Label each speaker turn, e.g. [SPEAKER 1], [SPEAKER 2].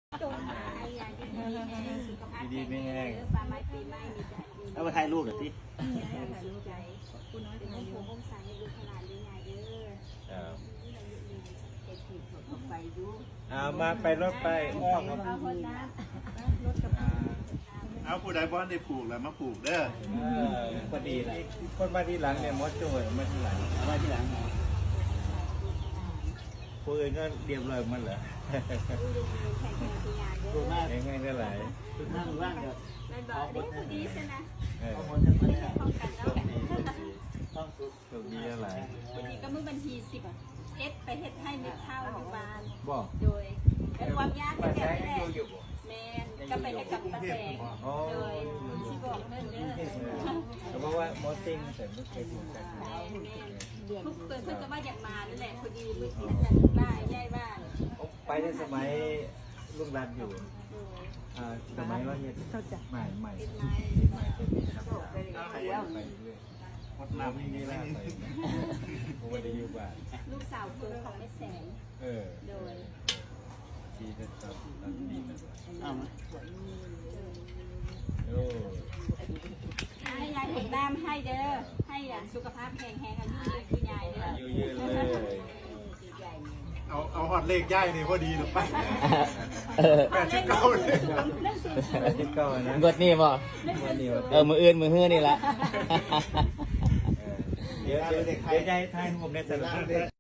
[SPEAKER 1] จงหายอย่างดีๆสุขภาพ
[SPEAKER 2] ดีๆไม่แห้ง
[SPEAKER 1] ปลาไม้ปีไม้มีใจดี
[SPEAKER 3] แล้วมาถ่ายรูปหน่อยสิ
[SPEAKER 1] สุขใจคุณน้อยเป็นผู้องศาให้ลูกขนาดเลี้ยงไงเด้อ
[SPEAKER 2] ครับ
[SPEAKER 1] เด็กที่เขาไปดู
[SPEAKER 2] เอามาไปรถไปอ้อมครับ
[SPEAKER 1] เอาคนน้ำรถกับ
[SPEAKER 4] เอาผู้ใดบ้านได้ปลูกแล้วมาปลูกเด้อ
[SPEAKER 2] พอดีเลยคนมาที่หลังเนี่ยมดโจ้ยมาที่หลัง
[SPEAKER 3] เอาไว้ที่หลังหน่อย
[SPEAKER 2] ผู้อื่นก็เรียบร้อยหมันเหรอ
[SPEAKER 1] แข่งกันที่งานเด้
[SPEAKER 3] ดู
[SPEAKER 1] อ
[SPEAKER 3] หน้า
[SPEAKER 2] ยังไงก็ไหลาย
[SPEAKER 3] ดูหน้าดูร่างเดี๋ยว
[SPEAKER 1] แม่บอกเด้อพอดีสินะ
[SPEAKER 2] เออ
[SPEAKER 3] ข้อมูลทั้งหมด
[SPEAKER 1] ป้องกันแล้ว
[SPEAKER 3] ต้องสุด
[SPEAKER 2] โชคดีอะไร
[SPEAKER 1] พอดีก็มือบัญชี10เอสไปเฮ็ดให้เม็ดข้าวอยู่บ้าน
[SPEAKER 2] บอก
[SPEAKER 1] โดยเป็นความยาก
[SPEAKER 2] ป้า
[SPEAKER 1] แค่
[SPEAKER 2] แซง
[SPEAKER 1] นี้แห
[SPEAKER 2] ยัง
[SPEAKER 1] ละ
[SPEAKER 2] อยู่บ่
[SPEAKER 1] แมนก็ไปให้กับป้าแสง
[SPEAKER 2] อ๋อ
[SPEAKER 1] โดยสิบอกเด้อเด้อ
[SPEAKER 2] เพราะว่ามอสซิ่งแต่ไม่เคยถูกกัน
[SPEAKER 1] แม่ทุกเพิ่นก็ว่าอยากมานั่นแหละพอดีมือที่จะบ้านย้ายบ้าน
[SPEAKER 2] ไปในสมัยลุงรันอยู่
[SPEAKER 1] โดย
[SPEAKER 2] สมัยว่าเนี่ยใหม่ใหม่
[SPEAKER 1] เป็นไม้
[SPEAKER 2] ใหม่จะมีครับไปเรื่อย
[SPEAKER 4] หมดน้ำนี่
[SPEAKER 2] นี่
[SPEAKER 4] แห
[SPEAKER 2] แห
[SPEAKER 4] ละ
[SPEAKER 2] ละผมไม่ได้อยู่บ้าน
[SPEAKER 1] ลูกสาวเพิ่นของแม่แสง
[SPEAKER 2] เออ
[SPEAKER 1] โดย
[SPEAKER 2] ดีนะตอนดีนะ
[SPEAKER 3] เอาไหม
[SPEAKER 2] โอ้
[SPEAKER 1] ให้ยายผมน้ำให้เด้อให้สุขภาพแข็งแรงอายุยืนคุณยายเด้อ
[SPEAKER 2] อยู่ยืนเลย
[SPEAKER 4] เอาหอดเลขย่ายนี่พอดีหรือไป 89เลย
[SPEAKER 2] ที่เก้านะ
[SPEAKER 5] กดนี่บ่
[SPEAKER 2] วันนี้ว่า
[SPEAKER 5] มืออื่นมือฮื้อนี่ละ
[SPEAKER 2] เดี๋ยวใจทายผมในแต่ละ